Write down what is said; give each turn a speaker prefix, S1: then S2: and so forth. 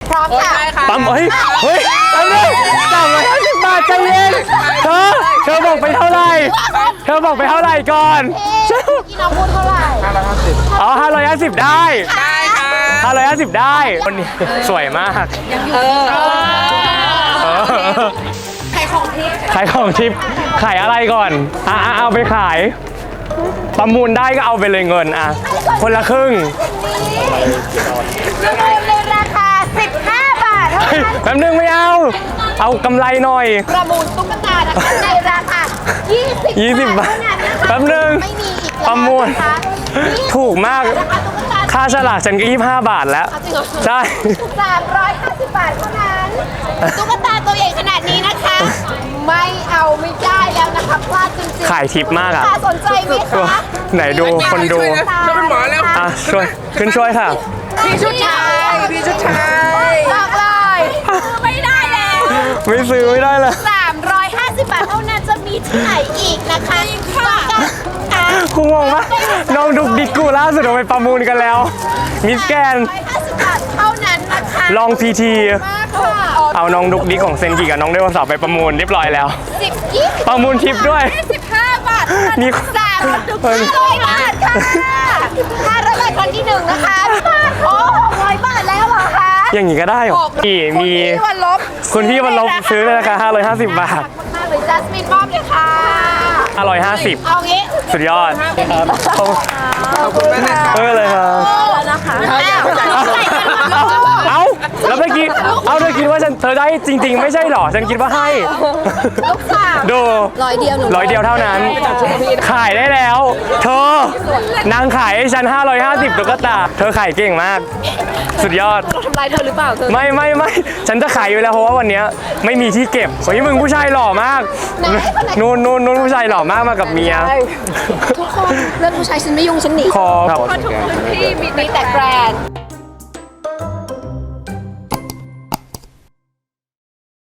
S1: พร้อมค่ะ
S2: ปั๊มเฮ้ยปั๊มเลย350 บาทใจเย็นเธอบอกไปเท่าไหร่ก่อน
S1: พี่น้องพูดเท่าไหร่
S2: อ๋อ550ได้550ได้คนนี้สวยมาก
S1: ใครของทิพย์
S2: ขายของทิปขายอะไรก่อนเอาไปขายประมูลได้ก็เอาไปเลยเงินคนละครึ่ง
S1: ประมูลในราคา15 บาทเท่า
S2: เฮ้ย
S1: นั้น
S2: แป๊บนึงไม่เอากำไรหน่อย
S1: ประมูลตุ๊กตานะคะในราคา20 บาทเท่านั้นนะคะ
S2: แป๊บนึง
S1: ไม่มีอีก
S2: ประมูล
S1: นะคะ
S2: ถูกมาก
S1: ราคาตุ๊กตา
S2: ค่าฉลากฉันก็25 บาทแล้ว
S1: จริงเหรอ
S2: ใช่
S1: 350 บาทเท่านั้นตุ๊กตาตัวใหญ่ขนาดนี้นะคะ ไม่เอาไม่ได้แล้วนะคะพลาดจริงๆ
S2: ขายทิปมากอ่ะ
S1: สนใจไหมคะ
S2: ไหนดูคนดู
S3: เราเป็นหมอแล้ว
S2: ช่วยช่วยค่ะ
S1: พี่ชุดชายบอกเลยไม่ได้แล้ว
S2: ไม่ซื้อไม่ได้เลย
S1: 350 บาทเท่านั้นจะมีที่ไหนอีกนะคะค่ะ
S2: กูงงปะน้องดุกดิกกูล่าสุดเราไปประมูลกันแล้ว มิสแกน
S1: 150 บาทเท่านั้นนะคะ
S2: ลองพีที
S1: มากค่ะ
S2: เอาน้องดุกดิกของเซนกิกับน้องไดโนเสาร์ไปประมูลเรียบร้อยแล้ว
S1: 10 20
S2: ประมูลทิปด้วย
S1: 15 บาท
S2: นี่
S1: 500 บาทค่ะ500 บาทครั้งที่1นะคะโอ้600 บาทแล้วเหรอคะ
S2: อย่างนี้ก็ได้เหรอมี
S1: พี่วันลบ
S2: คุณพี่วันลบซื้อในราคา550 บาท
S1: มากเลยจัสมินมอบเลยค่ะ
S2: 550
S1: เอางี้
S2: สุดยอด
S3: ขอบคุณมากนะคะ
S2: เลยครับ
S1: แล้วนะคะอ้าว
S2: เอาแล้วเมื่อกี้เธอคิดว่าเธอได้จริง ๆ ไม่ใช่หรอ ฉันคิดว่าให้
S1: ลูกสาว
S2: ดู
S1: 100 เดียวหนู
S2: 100 เดียวเท่านั้น ขายได้แล้ว เธอนางขายให้ฉัน550ตุ๊กตา เธอขายเก่งมาก สุดยอด
S1: ทำลายเธอหรือเปล่าเธอ
S2: ไม่ ฉันจะขายอยู่แล้วเพราะว่าวันเนี้ยไม่มีที่เก็บเฮ้ยมึงผู้ชายหล่อมาก นู่นผู้ชายหล่อมากมากับเมีย
S1: ทุกคนเรื่องผู้ชายฉันไม่ยุ่งฉันหนี
S2: คอ
S1: พี่มีแต่แกรนด์